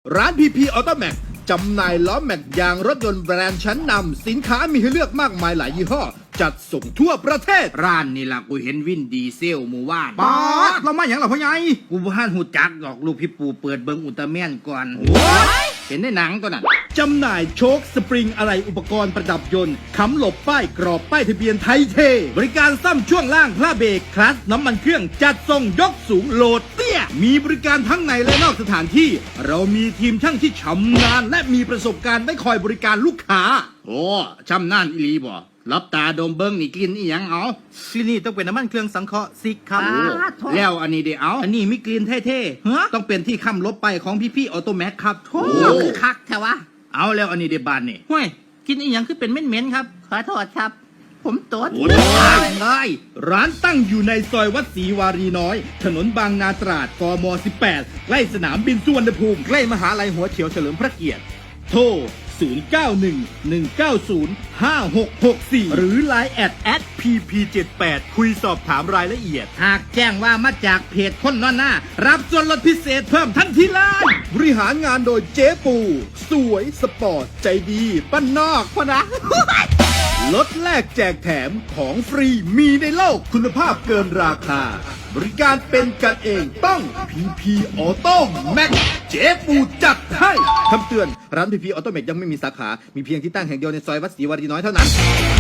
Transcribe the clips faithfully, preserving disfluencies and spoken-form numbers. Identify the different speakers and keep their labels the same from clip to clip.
Speaker 1: ร้าน พี พี Auto Max จำหน่ายล้อแม็กยางรถยนต์แบรนด์ชั้นนำสินค้ามีให้เลือกมากมายหลายยี่ห้อ จัดส่งทั่วประเทศ
Speaker 2: ร้านนี่ล่ะกูเห็นวินดีเซลหมู่ว่าน
Speaker 1: ป๊าดเรามาอย่างหรอพ่อใหญ่
Speaker 2: กูบ่ทันหูจักดอกลูกพี่ปู่เปิดเบิ่งอุลตร้าแมนก่อนเห็นในหนังตัวนั้น
Speaker 1: จำหน่ายโชคสปริงอะไรอุปกรณ์ประดับยนต์ค้ำหลบป้ายกรอบป้ายทะเบียนไทยเท บริการซ่อมช่วงล่างพระเบรกคลัตช์น้ำมันเครื่องจัดส่งยกสูงโหลดเตี้ยมีบริการทั้งในและนอกสถานที่ เรามีทีมช่างที่ชำนาญและมีประสบการณ์ได้คอยบริการลูกค้า
Speaker 2: โอ้ชำนาญอีหลีบ่รับตาดมเบิ้งนี่กลิ่นอีหยังเอา
Speaker 1: ที่นี่ต้องเป็นน้ำมันเครื่องสังเคราะห์ซิกครับ
Speaker 2: แล้วอันนี้เดี๋ยวเอา
Speaker 1: อันนี้มีกลิ่นเท่ๆต้องเป็นที่ค้ำลบไปของพี่พี่ออโตแม็กครับ
Speaker 2: โอ้คือคักแท้วะเอาแล้วอันนี้เดี๋ยวบานนี่
Speaker 1: ห้วยกินอีหยังคือเป็นเหม็นๆครับ
Speaker 3: ขอโทษครับผมตด
Speaker 2: โอ้ย
Speaker 1: ได้ร้านตั้งอยู่ในซอยวัดศรีวารีน้อยถนนบางนาตราดกมสิบแปดใกล้สนามบินสุวรรณภูมิใกล้มหาลัยหัวเฉียวเฉลิมพระเกียรติโทรศูนย์ เก้า หนึ่ง หนึ่ง เก้า ศูนย์ ห้า หก หก สี่ หรือ ไลน์ แอท แอท พี พี เจ็ดแปด คุยสอบถามรายละเอียด
Speaker 2: หากแจ้งว่ามาจากเพจคนนอนหน้า
Speaker 1: รับส่วนลดพิเศษเพิ่มทันทีเลยบริหารงานโดยเจ๊ปูสวยสปอร์ตใจดีบ้านนอกพะนะ ลดแลกแจกแถมของฟรีมีในโลกคุณภาพเกินราคาบริการเป็นกันเองต้อง พี พี Auto Max เจ๊ปูจัดให้คำเตือนร้าน พี พี Auto Max ยังไม่มีสาขา มีเพียงที่ตั้งแห่งเดียวในซอยวัดศรีวารีน้อยเท่านั้น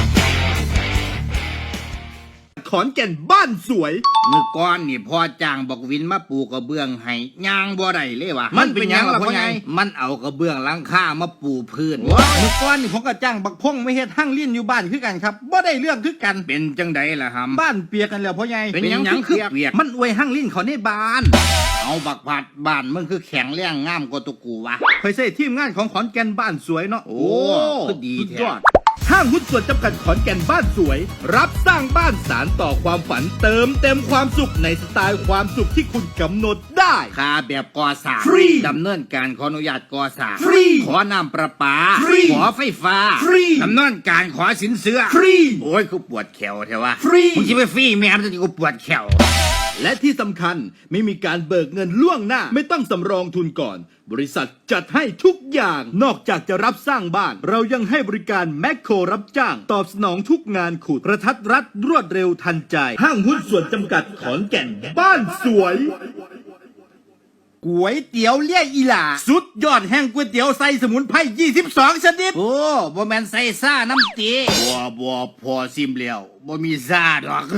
Speaker 1: ขอนแก่นบ้านสวย
Speaker 2: มือก้อนนี่พอจ้างบอกวินมาปูกระเบื้องให้ย่างบ่ได้เลยวะมันเป็นยังล่ะพ่อใหญ่มันเอากระเบื้องหลังคามาปูพื้น
Speaker 1: มือก้อนนี่ผมก็จ้างบักพงไม่เฮ็ดหั่งเลี้ยนอยู่บ้านคือกันครับบ่ได้เรื่องคือกัน
Speaker 2: เป็นจังไดล่ะครับ
Speaker 1: บ้านเปียกกันแล้วพ่อใหญ่
Speaker 2: เป็นยังคือเปียก
Speaker 1: มันอวยหั่งเลี้ยนเขาในบ้าน
Speaker 2: เอาบักผัดบ้านมึงคือแข็งแรงงามกว่าตุกูวะ
Speaker 1: เคยใช้ทีมงานของขอนแก่นบ้านสวยเนาะ
Speaker 2: โอ้คือดีแท้
Speaker 1: ห้างหุ้นส่วนจำกัดขอนแก่นบ้านสวยรับสร้างบ้านสารต่อความฝันเติมเต็มความสุขในสไตล์ความสุขที่คุณกำหนดได้
Speaker 2: ค่าแบบก่อสร้าง
Speaker 1: ฟรี
Speaker 2: ดำเนินการขออนุญาตก่อสร้าง
Speaker 1: ฟรี
Speaker 2: ขอน้ำประปา
Speaker 1: ฟรี
Speaker 2: ขอไฟฟ้า
Speaker 1: ฟรี
Speaker 2: ดำเนินการขอสินเชื่อ
Speaker 1: ฟรี
Speaker 2: โอ้ยกูปวดแขวแท้วะ
Speaker 1: ฟรี
Speaker 2: มึงคิดว่าฟรีแม่มันจะกูปวดแขว
Speaker 1: และที่สำคัญไม่มีการเบิกเงินล่วงหน้าไม่ต้องสำรองทุนก่อนบริษัทจัดให้ทุกอย่างนอกจากจะรับสร้างบ้านเรายังให้บริการแมคโครรับจ้างตอบสนองทุกงานขุดกระทัดรัดรวดเร็วทันใจห้างหุ้นส่วนจำกัดขอนแก่นบ้านสวย
Speaker 2: ก๋วยเตี๋ยวเลี่ยอีหล่า
Speaker 1: สุดยอดแห่งก๋วยเตี๋ยวใส่สมุนไพรยี่สิบสองชนิด
Speaker 2: โอ้บ่แม่นใส่ซ่าน้ำตีบ่บ่พอซิมแล้วบ่มีซ่าดอก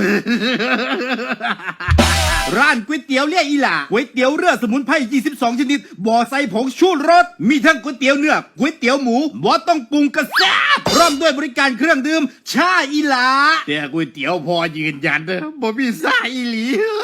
Speaker 1: ร้านก๋วยเตี๋ยวเลี่ยอีหล่าก๋วยเตี๋ยวเรือสมุนไพรยี่สิบสองชนิดบ่ใส่ผงชูรสมีทั้งก๋วยเตี๋ยวเนื้อก๋วยเตี๋ยวหมูบ่ต้องปรุงกระแซ่บพร้อมด้วยบริการเครื่องดื่มชาอีหล่า
Speaker 2: แต่ก๋วยเตี๋ยวพอยืนยันเด้อบ่มีซ่าอีหลี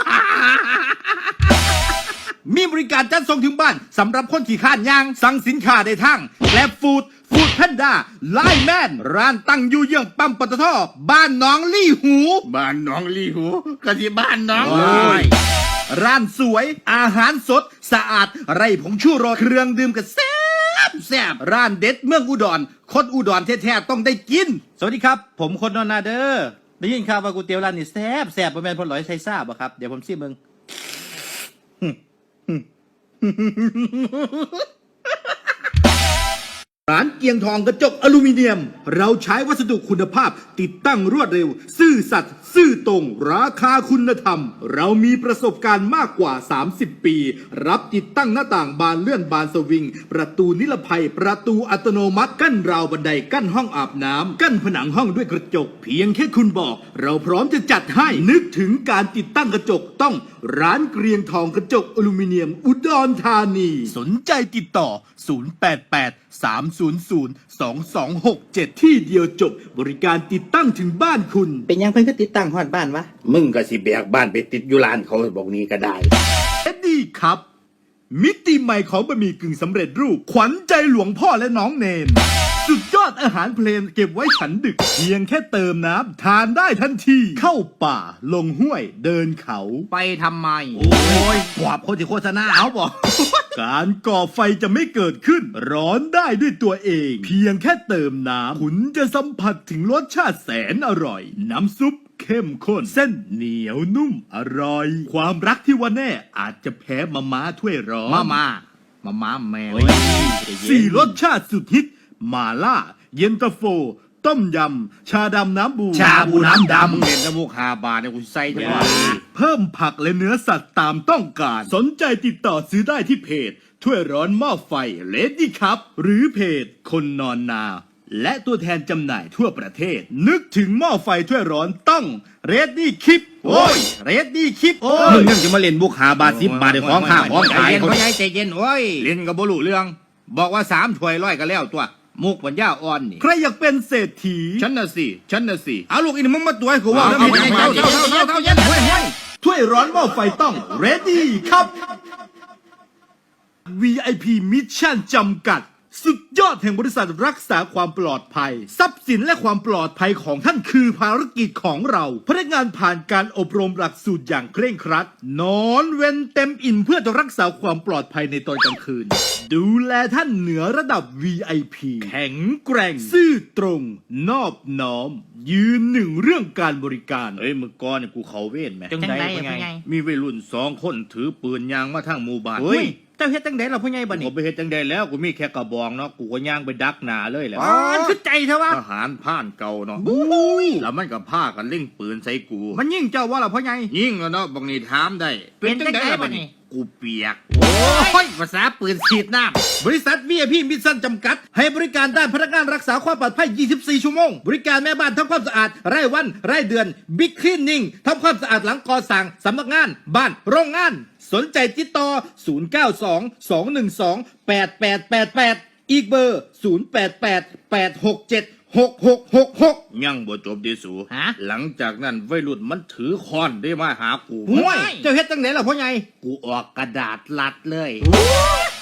Speaker 1: มีบริการจัดส่งถึงบ้านสำหรับคนขี่ข้านย่างสั่งสินค้าได้ทั้งแกร็บฟู้ดฟู้ดแพนด้าไลน์แมนร้านตั้งอยู่เยื้องปั๊มปตท.บ้านหนองลี่หู
Speaker 2: บ้านหนองลี่หูก็ที่บ้านน้อง
Speaker 1: ร้านสวยอาหารสดสะอาดไร้ผงชูรสเครื่องดื่มก็แซ่บแซ่บร้านเด็ดเมืองอุดรคนอุดรแท้ๆต้องได้กินสวัสดีครับผมคนนนนาเดอร์ได้ยินข่าวว่าก๋วยเตี๋ยวร้านนี้แซ่บแซ่บบ่แม่นพอหลอยใส่ซ่าบ่ครับเดี๋ยวผมซิมเบิ่งร้านเกียงทองกระจกอลูมิเนียมเราใช้วัสดุคุณภาพติดตั้งรวดเร็วซื่อสัตย์ซื่อตรงราคาคุณธรรมเรามีประสบการณ์มากกว่าสามสิบปีรับติดตั้งหน้าต่างบานเลื่อนบานสวิงประตูนิรภัยประตูอัตโนมัติกั้นราวบันไดกั้นห้องอาบน้ำกั้นผนังห้องด้วยกระจกเพียงแค่คุณบอกเราพร้อมจะจัดให้นึกถึงการติดตั้งกระจกต้องร้านเกรียงทองกระจกอลูมิเนียมอุดรธานีสนใจติดต่อศูนย์ แปด แปด สาม ศูนย์ ศูนย์ สอง สอง หก เจ็ดที่เดียวจบบริการติดตั้งถึงบ้านคุณ
Speaker 3: เป็นยังเพิ่นก็ติดตั้งฮอดบ้านวะ
Speaker 2: มึงก็สิแบกบ้านไปติดอยู่ร้านเขาบอกนี้ก็ได้
Speaker 1: เอ็ดดี้ครับมิติใหม่ของบะหมี่กึ่งสำเร็จรูปขวัญใจหลวงพ่อและน้องเนนสุดยอดอาหารเพลนเก็บไว้ฉันดึกเพียงแค่เติมน้ำทานได้ทันทีเข้าป่าลงห้วยเดินเขา
Speaker 2: ไปทำไม
Speaker 1: โอ้ยขวบคนที่โฆษณาเอาบอกการก่อไฟจะไม่เกิดขึ้นร้อนได้ด้วยตัวเองเพียงแค่เติมน้ำคุณจะสัมผัสถึงรสชาติแสนอร่อยน้ำซุปเข้มข้นเส้นเหนียวนุ่มอร่อยความรักที่ว่าแน่อาจจะแพ้มาม่าถ้วยร้อน
Speaker 2: มาม่ามาม้าแม่
Speaker 1: สี่รสชาติสุดฮิตมาล่า เย็นตาโฟ ต้มยำ ชาดำน้ำบู
Speaker 2: ชาบูน้ำดำเห็นน้ำมูกหาบาทเนี่ยกูใส่ทั้งวัน
Speaker 1: เพิ่มผักและเนื้อสัตว์ตามต้องการ สนใจติดต่อซื้อได้ที่เพจ ถ้วยร้อนหม้อไฟเลดี้ครับ หรือเพจ คนนอนนา และตัวแทนจำหน่ายทั่วประเทศ นึกถึงหม้อไฟถ้วยร้อนต้องเรดดี้คิปโอ้ยเรดดี้คิปโอ้
Speaker 2: มึ
Speaker 1: ย
Speaker 2: งยังจะมาเล่นบุกหาบาทสิบบาทในของข้าของขายเขาใจเย็นใจเย็นโอ้ยเล่นกับบุรุเรื่อง บอกว่าสามถ้วยร้อยก็แล้วตัวมุกปัญญาอ่อนนี่
Speaker 1: ใครอยากเป็นเศรษฐี
Speaker 2: ฉันน่ะสิฉันน่ะสิเอาลูกอีนี่มึงมาตัวให้กูว่า
Speaker 1: เอา
Speaker 2: แล้ว
Speaker 1: เอา
Speaker 2: มึง
Speaker 1: เอา
Speaker 2: เท่า
Speaker 1: เอา
Speaker 2: เท่าเท่าเท่าเท่าเย็นห้วยห้วย
Speaker 1: ถ้วยร้อนหม้อไฟต้องเรดดี้ครับ วี ไอ พี มิชชั่นจำกัด สุดยอดแห่งบริษัทรักษาความปลอดภัย ทรัพย์สินและความปลอดภัยของท่านคือภารกิจของเรา พนักงานผ่านการอบรมหลักสูตรอย่างเคร่งครัด นอนเว้นเต็มอิ่มเพื่อจะรักษาความปลอดภัยในตอนกลางคืน ดูแลท่านเหนือระดับ วี ไอ พี แข็งแกร่ง ซื่อตรง นอบน้อม ยืนหนึ่งเรื่องการบริการ
Speaker 2: เฮ้ยมึงก้อนเนี่ยกูเขาเว้นไหม
Speaker 3: จังไดอะพ่อใหญ่
Speaker 2: มีวัยรุ่นสองคนถือปืนยางมาทางหมู่บ้าน
Speaker 3: เฮ้ยเจ้าเฮ็ดจังไดล่ะพ่อใหญ่บัด
Speaker 2: กู
Speaker 3: นี้
Speaker 2: ไปเฮ็ดจังได้แล้วกูมีแค่กระบองเนาะกูก็ย่างไปดักหนาเลยแหละ
Speaker 3: อ๋อคือใจเถอะวะ
Speaker 2: ทหารผ่านเก่าเนาะแล้วมันก็พากันเล่งปืนใส่กู
Speaker 3: มันยิ่งเจ้าว่าล่ะพ่อใหญ่
Speaker 2: ยิ่งแล้วเนาะบางนี่ถามได้
Speaker 3: เป็นจังใด
Speaker 2: ล่ะ
Speaker 3: บัดนี้
Speaker 2: กูเปียกโอ้ยภาษาปืนฉีดน้ำ
Speaker 1: บริษัท วี ไอ พี มิชชั่นจำกัด ให้บริการด้านพนักงานรักษาความปลอดภัย ยี่สิบสี่ ชั่วโมง บริการแม่บ้านทำความสะอาด รายวัน รายเดือน บิ๊กคลีนนิ่งทำความสะอาดหลังก่อสร้างสำนักงาน บ้าน โรงงาน สนใจติดต่อ ศูนย์ เก้า สอง สอง หนึ่ง สอง แปด แปด แปด แปด อีกเบอร์ ศูนย์ แปด แปด แปด หก เจ็ด หก หก หก หก
Speaker 2: ยังบ่จบดีสู
Speaker 3: ฮะ
Speaker 2: หลังจากนั้นวัยรุ่นมันถือค้อนได้มาหากู
Speaker 3: ห่วยเจ้าเฮ็ดจังไดล่ะพ่อใหญ่
Speaker 2: กูออกกระดาษลัดเลย
Speaker 3: โอ้ย